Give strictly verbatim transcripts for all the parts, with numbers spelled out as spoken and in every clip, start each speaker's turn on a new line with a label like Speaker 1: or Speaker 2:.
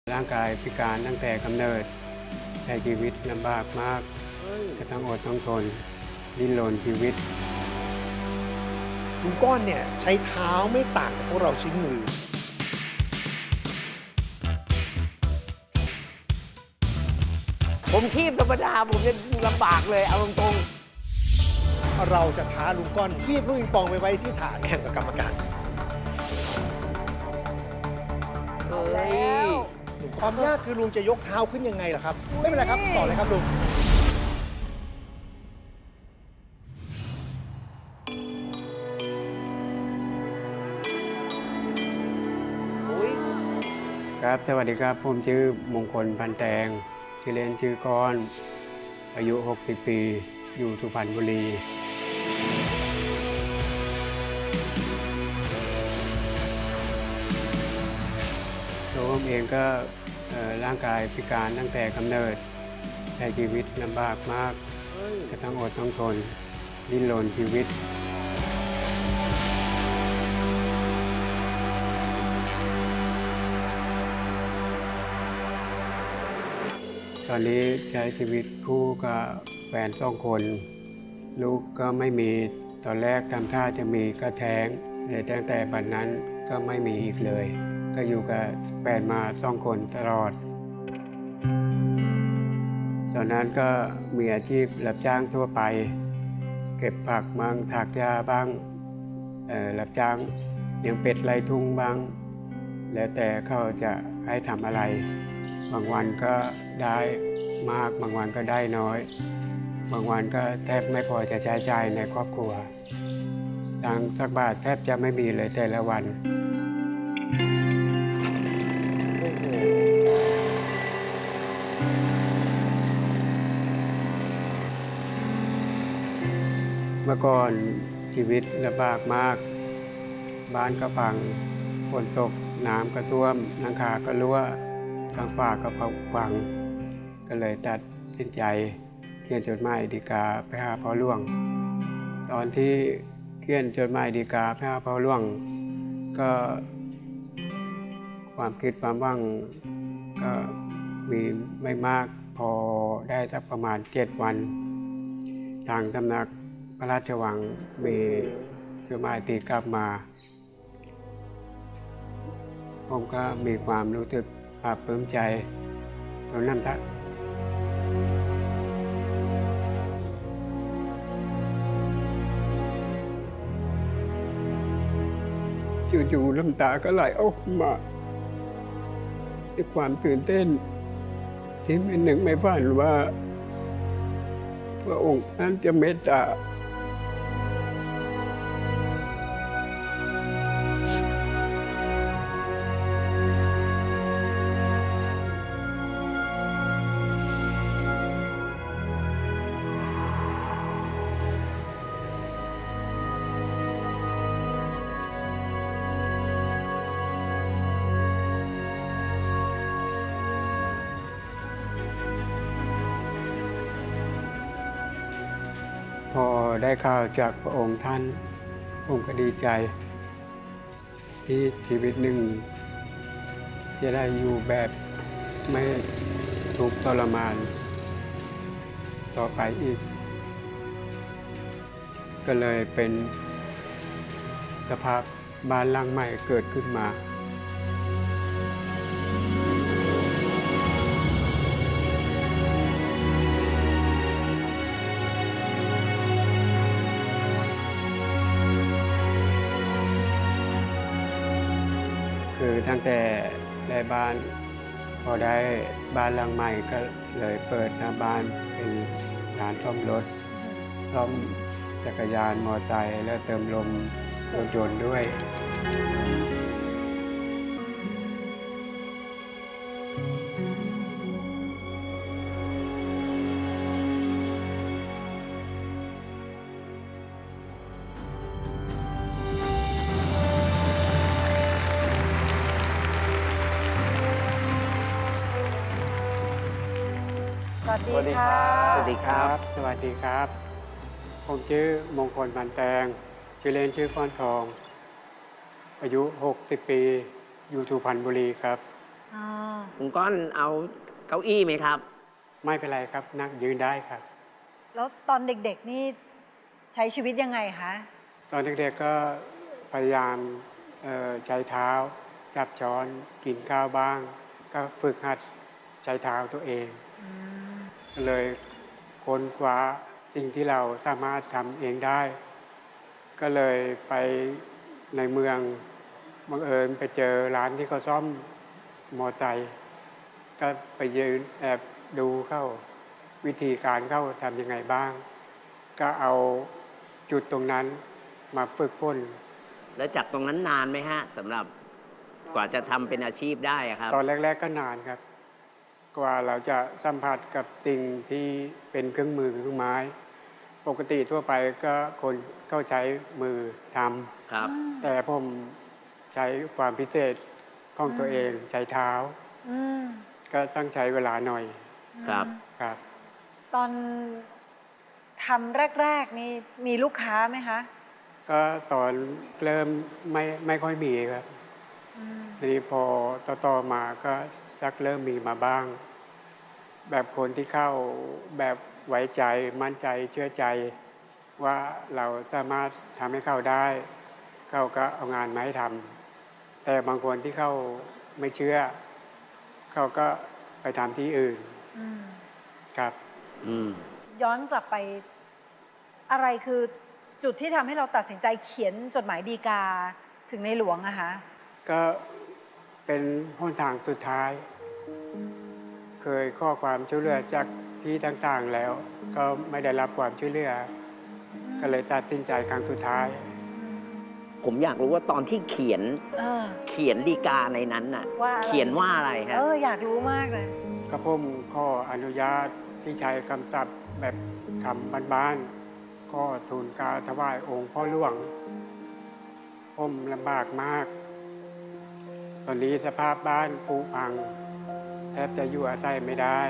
Speaker 1: ร่างกายพิการตั้งแต่กำเนิดใช้ชีวิตลำบากมากจะต้องอดต้องทนดิ้นรนชีวิต
Speaker 2: ลุงก้อนเนี่ยใช้เท้าไม่ต่างจากพวกเราใช้มือ
Speaker 3: ผมคีบธรรมดาผมจะลำบากเลยเอาตรง
Speaker 2: เราจะท้าลุงก้อนคีบลูกปิงปองไปไว้ที่ฐานแข่งกับกรรมการ
Speaker 3: ๆเอาแล้ว
Speaker 2: ความยากคือลุงจะยกเท้าขึ้นยังไงล่ะครับ ไม่เป็นไรครับต่อเลยครับลุง
Speaker 1: ครับสวัสดีครับผมชื่อมงคลพันแตงชื่อเล่นชื่อก้อนอายุหกสิบปีอยู่สุพรรณบุรีตัวผมเองก็ร่างกายพิการตั้งแต่กำเนิดใช้ชีวิตลำบากมากจะต้องอดต้องทนดิ้นรนชีวิตตอนนี้ใช้ชีวิตคู่กับแฟนสองคน ลูกก็ไม่มีตอนแรกทำท่าจะมีก็แท้งแต่ตั้งแต่บัดนั้นก็ไม่มีอีกเลย ก็อยู่กับแฟนมาสองคนตลอด ตอนนั้นก็มีอาชีพรับจ้างทั่วไป เก็บผักบ้างถากหญ้าบ้างรับจ้างเลี้ยงเป็ดไล่ทุ่งบ้าง แล้วแต่เขาจะให้ทำอะไรบางวันก็ได้มากบางวันก็ได้น้อยบางวันก็แทบไม่พอจะใช้จ่ายในครอบครัวตังค์สักบาทแทบจะไม่มีเลยแต่ละวันเมื่อก่อนชีวิตลำบากมากบ้านก็พังฝนตกน้ำก็ท่วมหลังคาก็รั่วทางฝ้าก็พังก็เลยตัดสินใจเขียนจดหมายฎีกาไปหาพ่อหลวงตอนที่เขียนจดหมายฎีกาไปหาพ่อหลวงก็ความคิดความหวังก็มีไม่มากพอได้สักประมาณเจ็ดวันทางสำนักพระราชวังมีจดหมายตีกลับมาผมก็มีความรู้สึกปลาบปลื้มใจตรงนั้นละจู่ๆน้ำตาก็ไหลออกมาด้วยความตื่นเต้นที่ไม่นึกไม่ฝันว่าพระองค์ท่านจะเมตตาพอได้ข่าวจากพระองค์ท่านผมก็ดีใจที่ชีวิตหนึ่งจะได้อยู่แบบไม่ทุกข์ทรมานต่อไปอีกก็เลยเป็นสภาพบ้านหลังใหม่เกิดขึ้นมาคือตั้งแต่ได้บ้านพอได้บ้านหลังใหม่ก็เลยเปิดหน้าบ้านเป็นร้านซ่อมรถซ่อมจักรยานมอเตอร์ไซค์และเติมลมรถยนต์ด้วย
Speaker 3: สวัสดีครับสวัสดีครับ
Speaker 1: สวัสดีครับผมชื่อมงคลพันแตงชื่อเล่นชื่อก้อนทองอายุหกสิบปีอยู่สุพรรณบุรีครับ
Speaker 4: อ๋อ
Speaker 3: ลุงก้อนเอาเก้าอี้ไหมครับ
Speaker 1: ไม่เป็นไรครับนั่งยืนได้ครับ
Speaker 4: แล้วตอนเด็กๆนี่ใช้ชีวิตยังไงคะ
Speaker 1: ตอนเด็กๆก็พยายามเอ่อใช้เท้าจับช้อนกินข้าวบ้าง ก็ฝึกหัดใช้เท้าตัวเอง
Speaker 4: อืม
Speaker 1: เลยค้นคว้าสิ่งที่เราสามารถทำเองได้ ก็เลยไปในเมืองบังเอิญไปเจอร้านที่เขาซ่อมมอไซค์ก็ไปยืนแอบดูเข้าวิธีการเข้าทำยังไงบ้าง ก็เอาจุดตรงนั้นมาฝึกฝน
Speaker 3: แล้วจากตรงนั้นนานไหมฮะสำหรับกว่าจะทำเป็นอาชีพได้อะครับ
Speaker 1: ตอนแรก ๆ ก็นานครับ กว่าเราจะสัมผัสกับสิ่งที่เป็นเครื่องมือเครื่องไม้ ปกติทั่วไปก็คนเข้าใช้มือท
Speaker 3: ครับ
Speaker 1: ำแต่ผมใช้ความพิเศษของตัวเองใช้เท้า
Speaker 4: อืม
Speaker 1: ก็ต้องใช้เวลาหน่อย
Speaker 3: ครับ
Speaker 1: ครับ
Speaker 4: ตอนทำแรก ๆ นี่มีลูกค้าไหมคะ
Speaker 1: ก็ตอนเริ่มไม่ไม่ค่อยมีครับ
Speaker 4: อืม
Speaker 1: ทีนี้พอต่อๆมาก็สักเริ่มมีมาบ้าง แบบคนที่เข้าแบบไว้ใจมั่นใจเชื่อใจ ว่าเราสามารถทำให้เข้าได้ เขาก็เอางานมาให้ทำแต่บางคนที่เขาไม่เชื่อ เขาก็ไปทำที่อื่น
Speaker 4: อืม
Speaker 1: ครับ
Speaker 3: อืม
Speaker 4: ย้อนกลับไปอะไรคือจุดที่ทำให้เราตัดสินใจเขียนจดหมายดีกาถึงในหลวงอะคะ
Speaker 1: ก็เป็นหนทางสุดท้าย เคยข้อความช่วยเหลือจากที่ต่างๆแล้ว ก็ไม่ได้รับความช่วยเหลือ ก็เลยตัดสินใจครั้งสุดท้าย
Speaker 3: ผมอยากรู้ว่าตอนที่เขียน
Speaker 4: เออ
Speaker 3: เขียนดีกาในนั้นน่ะ
Speaker 4: ว่าอะไร
Speaker 3: เขียนว่าอะไรฮะ
Speaker 4: เออ อยากรู้มากเลย
Speaker 1: ก็ผมข้ออนุญาตที่ใช้คำศัพท์แบบคำบ้านๆก็ทูลกราถวายองค์พ่อหลวง ผมลำบากมาก ตอนนี้สภาพบ้านผุพัง แทบจะอยู่อาศัยไม่ได้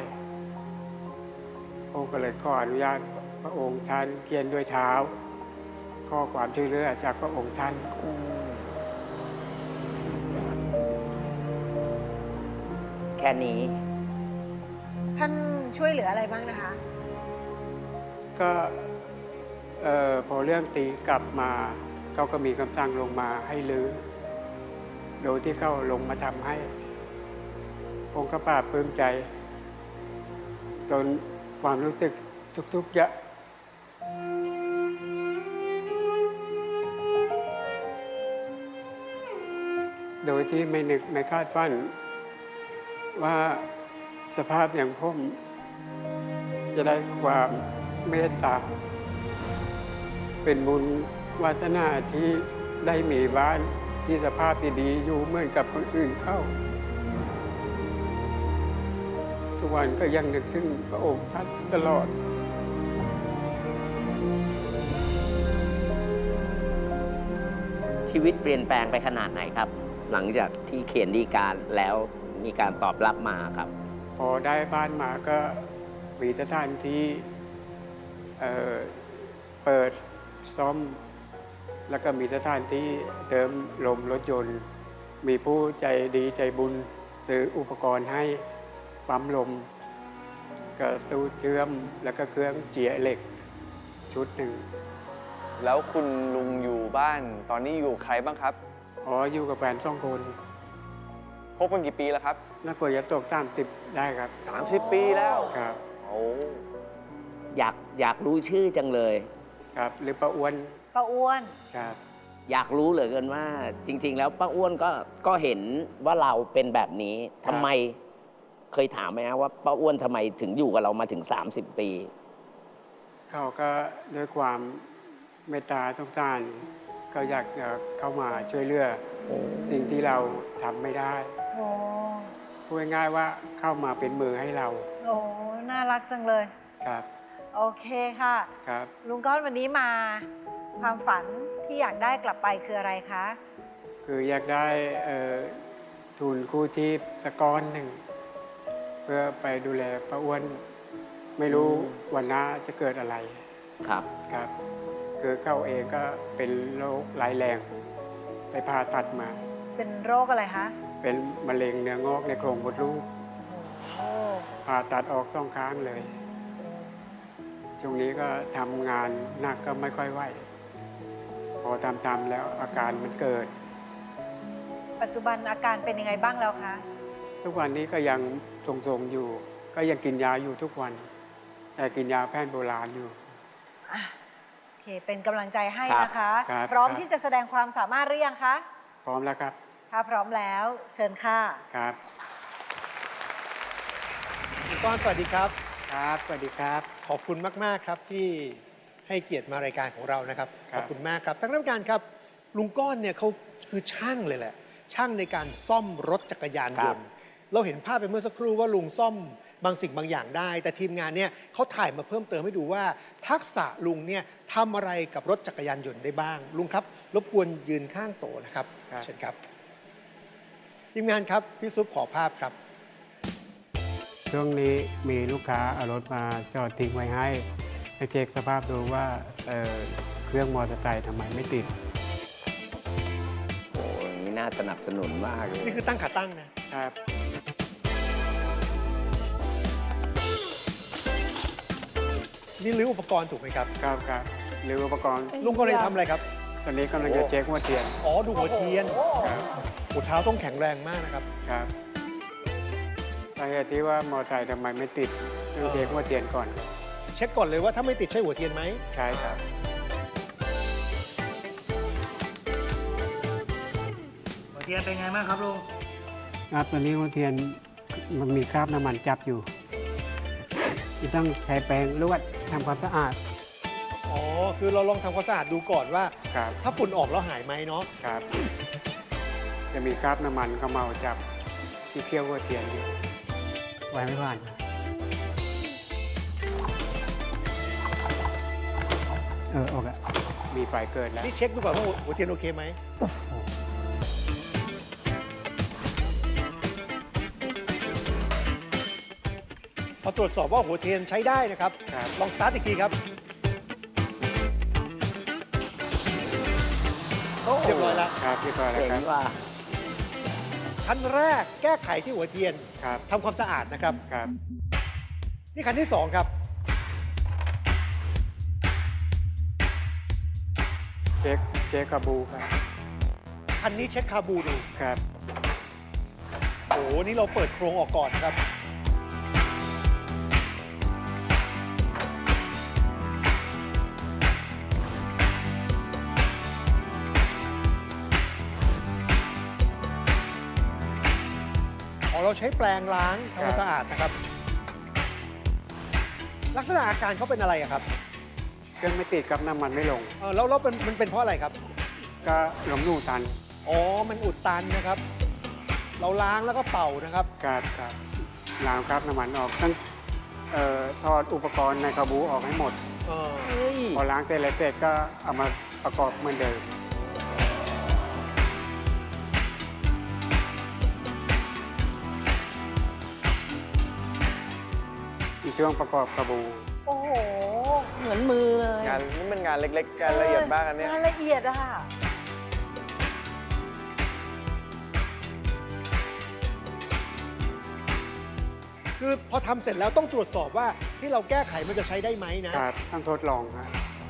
Speaker 1: ผมก็เลยขออนุญาตพระองค์ท่านเขียนด้วยเท้า ข้อความช่วยเหลือจากพระองค์ท่าน
Speaker 3: แค่นี้
Speaker 4: ท่านช่วยเหลืออะไรบ้างนะคะ
Speaker 1: ก็เอ่อพอเรื่องตีกลับมาเขาก็มีคำสั่งลงมาให้ลือ โดยที่เขาลงมาทำให้ผมก็ปลาบปลื้มใจ จนความรู้สึกทุกๆอย่างโดยที่ไม่นึกไม่คาดฝันว่าสภาพอย่างผมจะได้ความเมตตา เป็นบุญวาสนาที่ได้มีบ้านที่สภาพดีๆอยู่เหมือนกับคนอื่นเข้า ทุกวันก็ยังนึกถึงพระองค์ท่านตลอด
Speaker 3: ชีวิตเปลี่ยนแปลงไปขนาดไหนครับ หลังจากที่เขียนดีกาแล้วมีการตอบรับมาครับ
Speaker 1: พอได้บ้านมาก็มีสถานที่เอ่อเปิดซ่อม แล้วก็มีสถานที่เติมลมรถยนต์ มีผู้ใจดีใจบุญซื้ออุปกรณ์ให้ปั๊มลมกระตู้เชื่อมแล้วก็เครื่องเจียเหล็กชุดหนึ่ง
Speaker 5: แล้วคุณลุงอยู่บ้านตอนนี้อยู่กับใครบ้างครับ
Speaker 1: อ๋ออยู่กับแฟนสองคน
Speaker 5: คบกันกี่ปีแล้วครับ
Speaker 1: น่าเปิดจะตกสามสิบได้ครับ
Speaker 5: สามสิบ ปีแล้ว
Speaker 1: ครับ
Speaker 5: โอ้
Speaker 3: อยากอยากรู้ชื่อจังเลย
Speaker 1: ครับหรือป้าอ้วน
Speaker 4: ป้าอ้วน
Speaker 1: ครับ
Speaker 3: อยากรู้เหลือเกินว่า จริง ๆ แล้วป้าอ้วนก็ก็เห็นว่าเราเป็นแบบนี้ทำไมเคยถามไหมฮะว่าป้าอ้วนทำไมถึงอยู่กับเรามาถึง สามสิบ ปี
Speaker 1: เขาก็ด้วยความเมตตาสงสารเขาอยากจะเข้ามาช่วยเหลือสิ่งที่เราทำไม่ได้
Speaker 4: โอ้
Speaker 1: พูดง่ายๆว่าเข้ามาเป็นมือให้เรา
Speaker 4: โอ้ น่ารักจังเลย
Speaker 1: ครับ
Speaker 4: โอเคค่ะ
Speaker 1: ครับ
Speaker 4: ลุงก้อนวันนี้มา ความฝันที่อยากได้กลับไปคืออะไรคะ
Speaker 1: คืออยากได้เอ่อทุนกู้ชีพสักก้อนหนึ่ง เพื่อไปดูแลป้าอ้วน ไม่รู้วันหน้าจะเกิดอะไร
Speaker 3: ครับ
Speaker 1: ครับ คือเขาเองก็เป็นโรคร้ายแรง ไปผ่าตัดมา
Speaker 4: เป็นโรคอะไรคะ
Speaker 1: เเป็นมะเร็งเนื้องอกในโครงมดลูก
Speaker 4: โอ้
Speaker 1: ผ่าตัดออกสองข้างเลย ช่วงนี้ก็ทำงานหนักก็ไม่ค่อยไหว พอทำๆแล้วอาการมันเกิด
Speaker 4: ปัจจุบันอาการเป็นยังไงบ้างแล้วคะ
Speaker 1: ทุกวันนี้ก็ยังทรงๆอยู่ ก็ยังกินยาอยู่ทุกวัน แต่กินยาแผนโบราณอยู่
Speaker 4: อ่ะโอเค เป็นกำลังใจให้
Speaker 3: ครับ
Speaker 4: นะคะ
Speaker 1: ครับ
Speaker 4: พร้อม
Speaker 1: ครับ
Speaker 4: ที่จะแสดงความสามารถหรือยังคะ
Speaker 1: พร้อมแล้วครับ
Speaker 4: ถ้าพร้อมแล้วเชิญค่ะ
Speaker 1: ครับ
Speaker 2: ลุงก้อนสวัสดีครับ
Speaker 1: ครับ สวัสดีครับ
Speaker 2: ขอบคุณมาก ๆ ครับที่ให้เกียรติมารายการของเรานะครับ
Speaker 1: ครั
Speaker 2: ข
Speaker 1: บ
Speaker 2: อบคุณมากครับทั้งน้ำการครับ ลุงก้อนเนี่ยเขาคือช่างเลยแหละ ช่างในการซ่อมรถจักรยานยนต์ เราเห็นภาพไปเมื่อสักครู่ว่าลุงซ่อมบางสิ่งบางอย่างได้ แต่ทีมงานเนี่ยเขาถ่ายมาเพิ่มเติมให้ดูว่า ทักษะลุงเนี่ยทำอะไรกับรถจักรยานยนต์ได้บ้าง ลุงครับ รบกวนยืนข้างโต๊ะนะครับ
Speaker 1: ครับ
Speaker 2: เชิญครับ ทีมงานครับพี่ซุปขอภาพครับ
Speaker 1: ช่วงนี้มีลูกค้าเอารถมาจอดทิ้งไว้ให้ให้เช็คสภาพดูว่าเอ่อเครื่องมอเตอร์ไซค์ทำไมไม่ติด
Speaker 3: โอ้ยอย่างนี้น่าสนับสนุนมากเลย
Speaker 2: นี่คือตั้งขาตั้งนะ
Speaker 1: ครับ
Speaker 2: นี่รื้ออุปกรณ์ถูกไหมครับ
Speaker 1: ครับครับหรืออุปกรณ์
Speaker 2: ลุงก็เลยทำอะไรครับ
Speaker 1: ตอนนี้กำลังจะเช็คหัวเทียน
Speaker 2: อ๋อ ดูหัวเทียน
Speaker 1: ครับ
Speaker 2: หัวเท้าต้องแข็งแรงมากนะครับ
Speaker 1: ครับสาเหตุที่ว่ามอเตอร์ไซค์ทำไมไม่ติดต้องเช็คหัวเทียนก่อน
Speaker 2: เช็คก่อนเลยว่าถ้าไม่ติดใช่หัวเทียนไหม
Speaker 1: ใช่ครับ
Speaker 6: หัวเทียนเป็นไงบ้างครับลุง
Speaker 1: ครับตอนนี้หัวเทียนมันมีคราบน้ำมันจับอยู่ที่ต้องใช้แปรงลวดทำความสะอาด
Speaker 2: อ๋อ คือเราลองทำความสะอาดดูก่อนว่า
Speaker 1: ครับ
Speaker 2: ถ้าฝุ่นออกแล้วหายไหมเนาะ
Speaker 1: ครับ จะมีคราบน้ำมันเขมเมาจับที่เคี่ยวหัวเทียนอยู่ไว้ไม่ผ่านครับเออออกอะมีไฟเกิดแล้ว
Speaker 2: นี่เช็คดูก่อนว่าหัวหัวเทียนโอเคไหม พอตรวจสอบว่าหัวเทียนใช้ได้นะครับ
Speaker 1: ครับ
Speaker 2: ลองสตาร์ทอีกทีครับ เรียบร้อยแล้ว
Speaker 1: ครับเรียบร้อยแล้ว
Speaker 3: เจ๋ง
Speaker 1: ครับ
Speaker 3: ว่ะ
Speaker 2: ขั้นแรกแก้ไขที่หัวเทียน
Speaker 1: ครับ
Speaker 2: ทำความสะอาดนะครับ
Speaker 1: ครับ
Speaker 2: นี่ขั้นที่สองครับ
Speaker 1: เช็คเช็คกระบูครับ
Speaker 2: คันนี้เช็คคาบูดู
Speaker 1: ครับ
Speaker 2: โอ้โห นี่เราเปิดโครงออกก่อนนะครับ อ๋อ เราใช้แปรงล้างทำความสะอาดนะครับ ลักษณะอาการเขาเป็นอะไรอะครับ
Speaker 1: เครื่องไม่ติดครับน้ำมันไม่ลง
Speaker 2: เออแล้วแล้วเป็นมันเป็นเพราะอะไรครับ
Speaker 1: ก็หลงรูตัน
Speaker 2: อ๋อ มันอุดตันนะครับ เราล้างแล้วก็เป่านะครับ
Speaker 1: ครับครับล้างครับน้ำมันออกต้องเอ่อถอดอุปกรณ์ในกระบูออกให้หมด
Speaker 2: เออ
Speaker 3: เฮ้ย
Speaker 1: พอล้างเสร็จแล้วเสร็จก็เอามาประกอบเหมือนเดิมอีกช่วงประกอบกระบู
Speaker 4: โอ้โห
Speaker 3: เหมือนมือเลย
Speaker 5: งานนี่เป็นงานเล็กๆงานละเอียดมากอันเนี้ย
Speaker 4: งานละเอียดอะค่ะ
Speaker 2: คือพอทำเสร็จแล้วต้องตรวจสอบว่าที่เราแก้ไขมันจะใช้ได้ไหมนะ
Speaker 1: ครับต้องทดลองครับ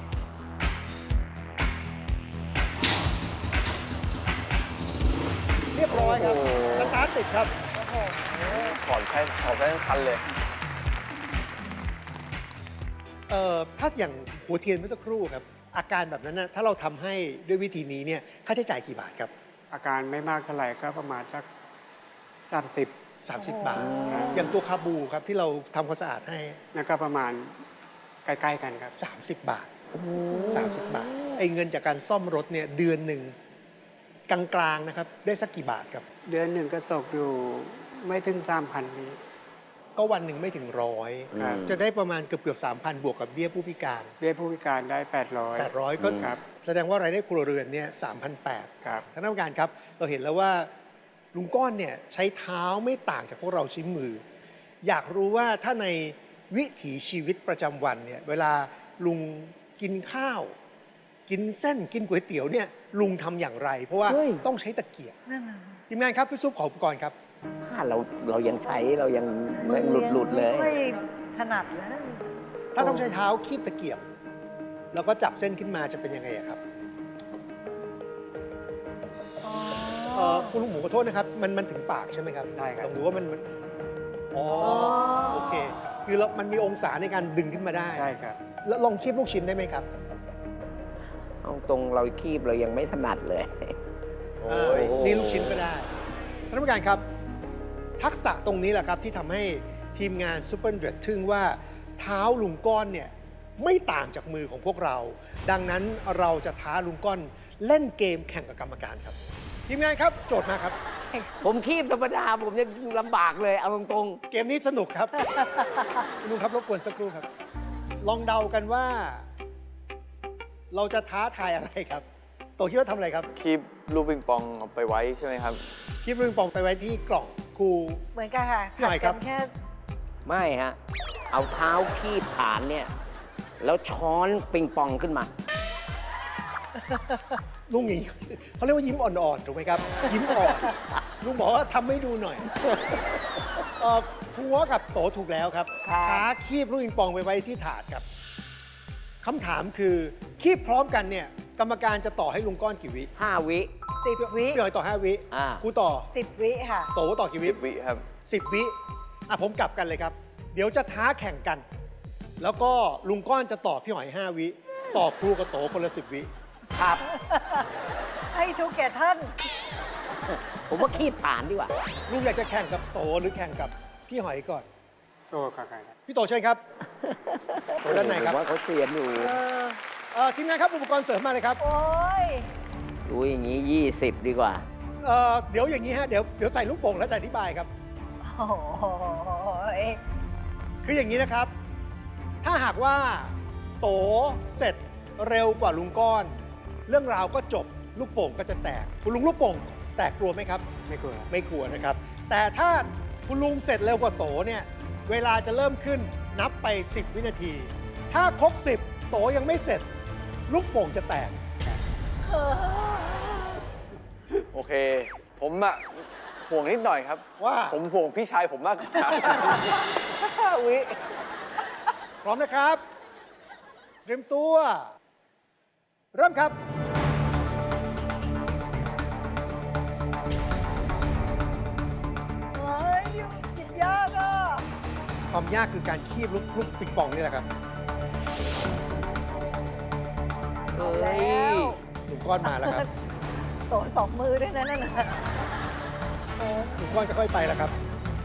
Speaker 2: เรียบร้อยครับ
Speaker 5: โอ้โห
Speaker 2: สตาร์ทติดครับ
Speaker 4: โอ้โห
Speaker 5: ถอนใช้ถอนใช้ทั้งคันเลย
Speaker 2: เอ่อถ้าอย่างหัวเทียนเมื่อสักครู่ครับ อาการแบบนั้นนะถ้าเราทำให้ด้วยวิธีนี้เนี่ยค่าใช้จ่ายกี่บาทครับ
Speaker 1: อาการไม่มากเท่าไหร่ก็ประมาณสักสามสิบ
Speaker 2: สามสิบ บาท
Speaker 1: ครับ
Speaker 2: อย่างตัวคาบูครับที่เราทำความสะอาดให้
Speaker 1: นั่นก็ประมาณใกล้ๆกันครับ
Speaker 2: สามสิบ บาท สามสิบ บาทไอ้เงินจากการซ่อมรถเนี่ยเดือนหนึ่งกลางๆนะครับได้สักกี่บาทครับ
Speaker 1: เดือนหนึ่งก็ตกอยู่ไม่ถึงสามพันนี้
Speaker 2: ก็วันหนึ่งไม่ถึงร้อย
Speaker 1: ครับ
Speaker 2: จะได้ประมาณเกือบเกือบสามพันบวกกับเบี้ยผู้พิการ
Speaker 1: เบี้ยผู้พิการได้แปดร้อย
Speaker 2: แปดร้อยก็
Speaker 1: ครับ
Speaker 2: แสดงว่ารายได้ครัวเรือนเนี่ยสามพันแปด
Speaker 1: ครับ
Speaker 2: ท่านผู้การครับเราเห็นแล้วว่าลุงก้อนเนี่ยใช้เท้าไม่ต่างจากพวกเราใช้มือ อยากรู้ว่าถ้าในวิถีชีวิตประจำวันเนี่ยเวลาลุงกินข้าว กินเส้นกินก๋วยเตี๋ยวเนี่ยลุงทำอย่างไร เพราะว่า
Speaker 3: เฮ้ย
Speaker 2: ต้องใช้ตะเกียบ
Speaker 4: นั่นน่ะสิ
Speaker 2: ทีมงานครับพี่ซุปขออุปกรณ์ครับ
Speaker 3: ผ้าเราเรายังใช้เรายังยังหลุดหลุดๆเลย
Speaker 4: ไม่ถนัดเลย
Speaker 2: ถ้าต้องใช้เท้าคีบตะเกียบ แล้วก็จับเส้นขึ้นมาจะเป็นยังไงอะครับ
Speaker 4: อ๋อ
Speaker 2: เอ่อคุณลุงหมูขอโทษนะครับ มันมันถึงปากใช่ไหมครับ
Speaker 1: ได้ครับ
Speaker 2: ต้องดูว่ามันมันอ๋อ
Speaker 4: อ๋อ
Speaker 2: โอเค คือเรามันมีองศาในการดึงขึ้นมาได้
Speaker 1: ใช่ครับ
Speaker 2: แล้วลองคีบลูกชิ้นได้ไหมครับ
Speaker 3: เอาตรงเราคีบเรายังไม่ถนัดเลย
Speaker 2: โอ้ยนี่ลูกชิ้นก็ได้ท่านผู้การครับ ทักษะตรงนี้แหละครับที่ทำให้ทีมงานซูเปอร์เดรดทึ่งว่าเท้าลุงก้อนเนี่ยไม่ต่างจากมือของพวกเรา ดังนั้นเราจะท้าลุงก้อนเล่นเกมแข่งกับกรรมการครับ ทีมงานครับโจทย์มาครับ
Speaker 3: ผมคีบธรรมดาผมยังลำบากเลยเอาตรง
Speaker 2: เกมนี้สนุกครับ ลุงครับรบกวนสักครู่ครับ ลองเดากันว่า เราจะท้าทายอะไรครับโตคิดว่าทำอะไรครับ
Speaker 5: คีบลูกปิงปองเอาไปไว้ใช่ไหมครับ
Speaker 2: คีบลูกปิงปองไปไว้ที่กล่องครู
Speaker 4: เหมือนกันค่ะ
Speaker 2: พี่หน่อยครับ
Speaker 4: ขัดกันแค่
Speaker 3: ๆ ไม่ฮะ เอาเท้าคีบฐานเนี่ย แล้วช้อนปิงปองขึ้นมา
Speaker 2: ลุงอย่างนี้เขาเรียกว่ายิ้มอ่อนๆถูกไหมครับ ยิ้มอ่อนลุงบอกว่าทำให้ดูหน่อยเอ่อทัวกับโตถูกแล้วครับ
Speaker 4: ครับ
Speaker 2: ท้าคีบลูกปิงปองไปไว้ที่ถาดครับคำถามคือคีบพร้อมกันเนี่ย กรรมการจะต่อให้ลุงก้อนกี่วิ
Speaker 3: ห้าวิ
Speaker 4: สิบวิ
Speaker 2: พี่หน่อยต่อห้าวิ
Speaker 3: อ่า
Speaker 2: ครูต่อ
Speaker 4: สิบวิค่ะ
Speaker 2: โตต่อกี่วิ
Speaker 5: สิบวิครับ
Speaker 2: สิบวิอ่ะผมกลับกันเลยครับ เดี๋ยวจะท้าแข่งกัน แล้วก็ลุงก้อนจะต่อพี่หอยห้าวิ ต่อครูกับโตคนละสิบวิ
Speaker 3: ครับ
Speaker 4: ให้ทุกแก่ท่าน
Speaker 3: ผมว่าคีบฐานดีกว่า
Speaker 2: ลุงอยากจะแข่งกับโตหรือแข่งกับพี่หอยก่อน
Speaker 1: โตครับครับ
Speaker 2: พี่โตเชิญครับ โตด้านไหนครับ
Speaker 3: ผมว่าเขาเสียนอยู่
Speaker 4: เออ
Speaker 2: เอ่อทีมงานครับอุปกรณ์เสริมมาเลยครับ
Speaker 4: โอ้ย
Speaker 3: รู้อย่างนี้ยี่สิบดีกว่า
Speaker 2: เอ่อเดี๋ยวอย่างนี้ฮะเดี๋ยวเดี๋ยวใส่ลูกโป่งแล้วจะอธิบายครับ
Speaker 4: โอ้โห
Speaker 2: คืออย่างนี้นะครับ ถ้าหากว่าโตเสร็จเร็วกว่าลุงก้อน เรื่องราวก็จบลูกโป่งก็จะแตกคุณลุงลูกโป่งแตกกลัวไหมครับ
Speaker 1: ไม่กลัว
Speaker 2: ไม่กลัวนะครับ แต่ถ้าคุณลุงเสร็จเร็วกว่าโตเนี่ยเวลาจะเริ่มขึ้นนับไป สิบ วินาที ถ้าครบสิบโตยังไม่เสร็จ ลูกโป่งจะแตก
Speaker 5: โอเค ผมอะห่วงนิดหน่อยครับ
Speaker 2: ว่า
Speaker 5: ผมห่วงพี่ชายผมมากกว่า
Speaker 2: ห้าวิ พร้อมนะครับ เตรียมตัว เริ่มครับ
Speaker 4: เฮ้ยกินยากอ่ะ
Speaker 2: ความยากคือการคีบลูกลูกปิงปองนี่แหละครับ
Speaker 3: เฮ้ย
Speaker 4: แล้ว
Speaker 2: ลุงก้อนมาแล้วครับ
Speaker 4: โตสองมือด้วยนะนั่นน่ะโอ้
Speaker 2: ลุงก้อนจะค่อยไปแล้วครับ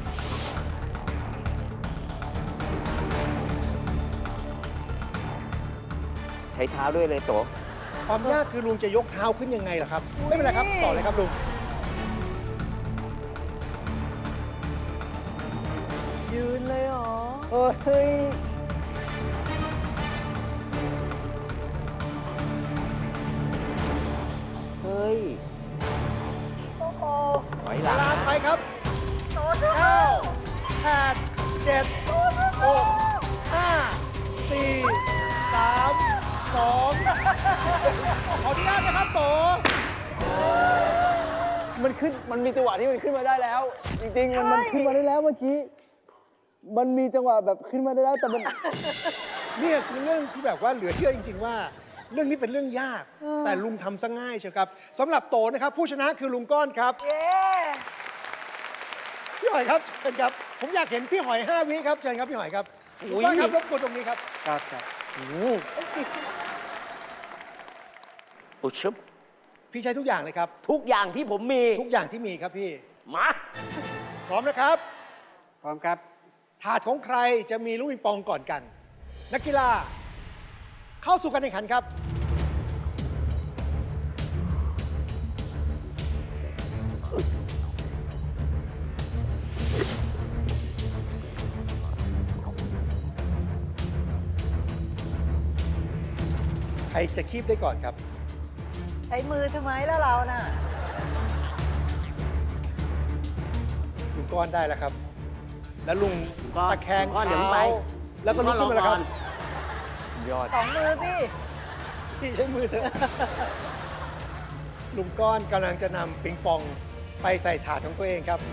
Speaker 3: ใช้เท้าด้วยเลยโต
Speaker 2: ความยากคือลุงจะยกเท้าขึ้นยังไงล่ะครับ ไม่เป็นไรครับ ต่อเลยครับลุง
Speaker 4: ยืนเลยเหรอ
Speaker 3: เฮ้ย เฮ้ย
Speaker 4: โอ้โห
Speaker 3: ถอยห
Speaker 2: เว
Speaker 3: ลัง
Speaker 2: ลาไป
Speaker 3: นะครับ
Speaker 4: โตสู้
Speaker 2: เก้าแปดเจ็ดหกห้าสี่สามสองขออนุญาตนะครับโต
Speaker 5: มันขึ้น มันมีจังหวะที่มันขึ้นมาได้แล้ว จริงๆ มันมันขึ้นมาได้แล้วเมื่อกี้ มันมีจังหวะแบบขึ้นมาได้แล้วแต่มัน
Speaker 2: เนี่ยคือเรื่องที่แบบว่าเหลือเชื่อจริง ๆ ว่า เรื่องนี้เป็นเรื่องยาก แต่ลุงทำซะง่ายเชียวครับสำหรับโตนะครับ ผู้ชนะคือลุงก้อนครับ
Speaker 4: เย้
Speaker 2: พี่หอยครับเชิญครับ ผมอยากเห็นพี่หอยห้าวิครับเชิญครับพี่หอยครับ
Speaker 3: อุ๊ย
Speaker 2: ลุงก้อนครับรบกวนตรงนี้ครับ
Speaker 1: ครับครับ
Speaker 3: อุยชุบ
Speaker 2: พี่ใช้ทุกอย่างเลยครับ
Speaker 3: ทุกอย่างที่ผมมี
Speaker 2: ทุกอย่างที่มีครับพี่
Speaker 3: มา
Speaker 2: พร้อมนะครับ
Speaker 1: พร้อมครับ
Speaker 2: ถาดของใครจะมีลูกปิงปองก่อนกัน นักกีฬา เข้าสู่การแข่งขันครับ ใครจะคีบได้ก่อนครับ
Speaker 4: ใช้มือทำไมแล้วเราน่ะ
Speaker 2: ลุงก้อนได้แล้วครับ แล้วลุง
Speaker 3: ลุงก้อน
Speaker 2: ตะแคง
Speaker 3: ลุงก้อน
Speaker 2: เท้า
Speaker 3: เดี๋ยวไป
Speaker 2: แล้วก็ลุกขึ้นมาแล้วครับ
Speaker 5: ยอด
Speaker 4: สองมือพี่
Speaker 2: พี่ใช้มือเถอะ ลุงก้อนกำลังจะนำปิงปองไปใส่ถาดของตัวเองครับ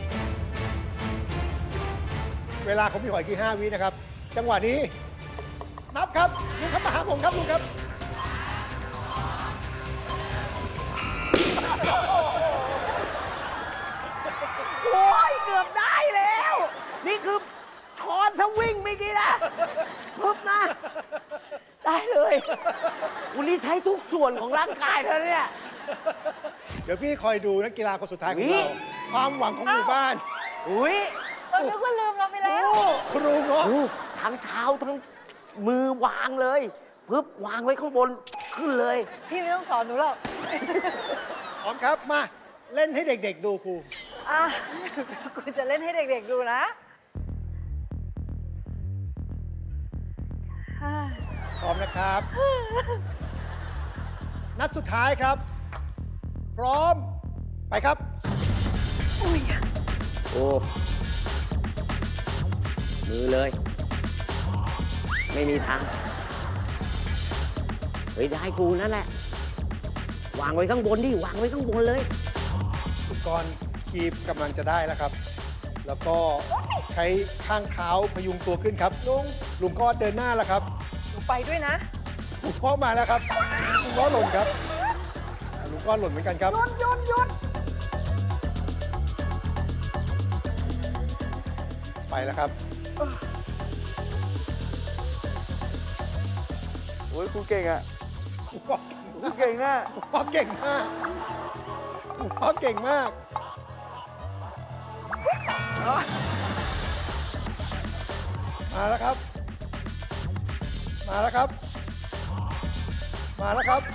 Speaker 2: เวลาของพี่หอยคือห้าวินะครับ จังหวะนี้ นับครับลุงครับมาหาผมครับลุงครับ
Speaker 3: โอ้ยเกือบได้แล้ว นี่คือช้อนถ้าวิ่งเมื่อกี้นะปุ๊บนะ ได้เลยวันนี้ใช้ทุกส่วนของร่างกายเธอเนี่ย
Speaker 2: เดี๋ยวพี่คอยดูนักกีฬาคนสุดท้ายของ
Speaker 3: นี่
Speaker 2: เรา ความหวังของหมู่บ้าน
Speaker 3: อุ้ย
Speaker 4: เราคิดว่าลืมเราไปแล้ว
Speaker 2: ครูเงาะ
Speaker 3: โอ้ทั้งเท้าทั้งมือวางเลยปึ๊บวางไว้ข้างบนขึ้นเลย
Speaker 4: พี่ไม่ต้องสอนหนูหรอก
Speaker 2: พร้อมครับมาเล่นให้เด็กๆดูครู
Speaker 4: อ่ะคุณจะเล่นให้เด็กๆดูนะอ่า
Speaker 2: พร้อมนะครับ นัดสุดท้ายครับ พร้อมไปครับ
Speaker 3: โอ้มือเลย ไม่มีทาง เฮ้ย ได้กูนั่นแหละ วางไว้ข้างบนดิ วางไว้ข้างบนเลย
Speaker 2: อุปกรณ์คีบกำลังจะได้แล้วครับ แล้วก็ใช้ข้างเท้าพยุงตัวขึ้นครับ ลุง ลุงก็เดินหน้าแล้วครับ
Speaker 4: หนูไปด้วยนะ
Speaker 2: ลุงพ่อมาแล้วครับ ลุงก็หล่นครับอ่าลุงก็หล่นเหมือนกันครับ
Speaker 4: หยุดหยุดหยุด
Speaker 2: ไปแล้วครับ
Speaker 5: โอ้ยครูเก่งอ่ะ
Speaker 2: ลุงพ่อ
Speaker 5: ครูเก่งอ่ะ
Speaker 2: ลุงพ่อเก่งมากลุงพ่อเก่งมาก มาแล้วครับ มาแล้วครับ มาแล้วครับ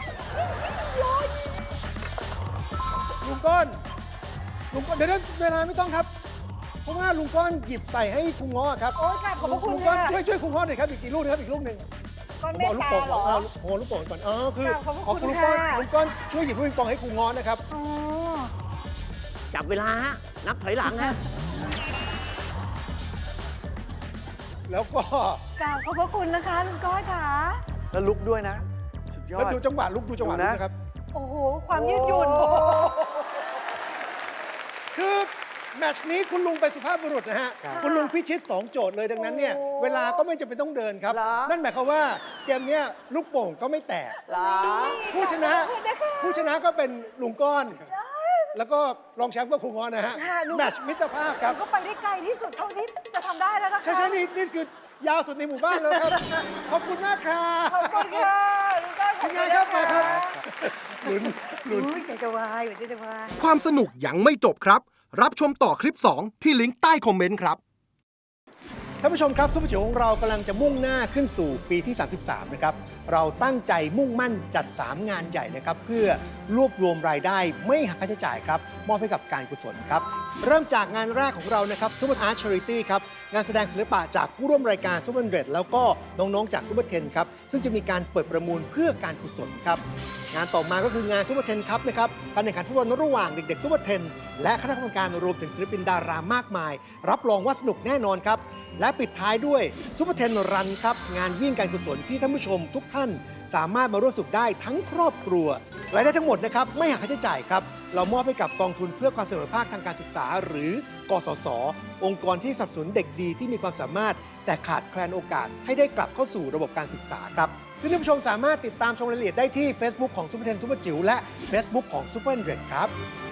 Speaker 2: ลุงก้อน ลุงก้อน เดี๋ยวเวลาไม่ต้องครับ เพราะว่าลุงก้อนหยิบใส่ให้ครูง้อครับ
Speaker 4: โอ๊ยค่ะขอบพระคุณ
Speaker 2: ลุงก้อน
Speaker 4: ค่ะ
Speaker 2: ช่วยช่วยครูง้อหน่อยครับ อีกกี่ลูกนะครับอีกลูกหนึ่ง
Speaker 4: ก้อน
Speaker 2: ผม
Speaker 4: เม
Speaker 2: บ
Speaker 4: ต
Speaker 2: อกลูก
Speaker 4: ตา
Speaker 2: โป่ง
Speaker 4: เหรอ
Speaker 2: เอาโอ้ลูกโป่งก่อนอ๋อคือ
Speaker 4: ค่ะขอบพระ
Speaker 2: อ๋อ
Speaker 4: คุณ
Speaker 2: ลุงก้อน
Speaker 4: ค่ะ
Speaker 2: ลุงก้อนช่วยหยิบลูกปิงปองให้ครูง้อนะครับ
Speaker 4: อ๋อ
Speaker 3: จับเวลาฮะ นับถอยหลังฮะ
Speaker 2: แล้วก็
Speaker 4: กราบขอบพระคุณนะคะลุงก้อยค่ะ
Speaker 5: แล้วลุกด้วยนะ สุดยอ
Speaker 2: แล้ว
Speaker 5: ด
Speaker 2: ดูจังหวะลุกดูจังหวะ
Speaker 5: ดู
Speaker 2: ลุก
Speaker 5: นะ
Speaker 2: นะครับ
Speaker 4: โอ้โห ความยืดหยุ่น
Speaker 2: โอ้โหคือแมตช์นี้คุณลุงเป็นสุภาพบุรุษนะฮะ
Speaker 1: ครับ
Speaker 2: คุณลุงพิชิตสองโจทย์เลยดังนั้นเนี่ย
Speaker 4: โอ้
Speaker 2: เวลาก็ไม่จำเป็นต้องเดินครับ
Speaker 3: เหรอ
Speaker 2: นั่นหมายความว่าเกมเนี้ยลูกโป่งก็ไม่แตก
Speaker 3: เหรอ
Speaker 2: ผู้ชนะ ผู้ชนะก็เป็นลุงก้อน แล้วก็รองแชมป์ก็ครูง้อนะฮะ
Speaker 4: ค่ะลุง
Speaker 2: แมตช์มิตรภาพครับ
Speaker 4: ก็ไปได้ไกลที่สุดเท่าที่จะทำได้แล้วนะคะ
Speaker 2: ใช่ใช่นี่นี่คือยาวสุดในหมู่บ้านแล้วครับ ขอบคุณมากครับ
Speaker 4: ขอบคุณค่ะลุงก้อยขอบ
Speaker 2: คุ
Speaker 4: คุณ ณ
Speaker 2: ยายครับมาครับ
Speaker 4: นะะ
Speaker 2: ลุ้นลุ้น
Speaker 4: อุ้ยใจจะวายใจจะวาย
Speaker 7: ความสนุกยังไม่จบครับ รับชมต่อคลิป สอง ที่ลิงก์ใต้คอมเมนต์ครับ
Speaker 2: ท่านผู้ชมครับซุปเปอร์จิ๋วของเรากำลังจะมุ่งหน้าขึ้นสู่ปีที่ สามสิบสาม นะครับ เราตั้งใจมุ่งมั่นจัด สาม งานใหญ่นะครับ เพื่อรวบรวมรายได้ไม่หักค่าใช้จ่ายครับ มอบให้กับการกุศลครับ เริ่มจากงานแรกของเรานะครับซุปเปอร์อาร์ตชาริตี้ครับ งานแสดงศิลปะจากผู้ร่วมรายการซุปเปอร์เดรดแล้วก็น้องๆจากซุปเปอร์เทนครับ ซึ่งจะมีการเปิดประมูลเพื่อการกุศลครับ งานต่อมาก็คืองานซุปเปอร์เทนครับนะครับการแข่งขันฟุตบอลระหว่างเด็กๆซุปเปอร์เทนและคณะกรรมการรวมถึงศิลปินดารามากมาย รับรองว่าสนุกแน่นอนครับ และปิดท้ายด้วยซุปเปอร์เทนรันครับงานวิ่งการกุศลที่ท่านผู้ชมทุกท่านสามารถมาร่วมสนุกได้ทั้งครอบครัวรายได้ทั้งหมดนะครับไม่หักค่าใช้จ่ายครับเรามอบให้กับกองทุนเพื่อความเสมอภาคทางการศึกษาหรือกสศองค์กรที่สนับสนุนเด็กดีที่มีความสามารถแต่ขาดแคลนโอกาสให้ได้กลับเข้าสู่ระบบการศึกษาครับซึ่งท่านผู้ชมสามารถติดตามชมรายละเอียดได้ที่ Facebook ของซุปเปอร์เทนซุปเปอร์จิ๋วและ Facebook ของซุปเปอร์เดรดครับ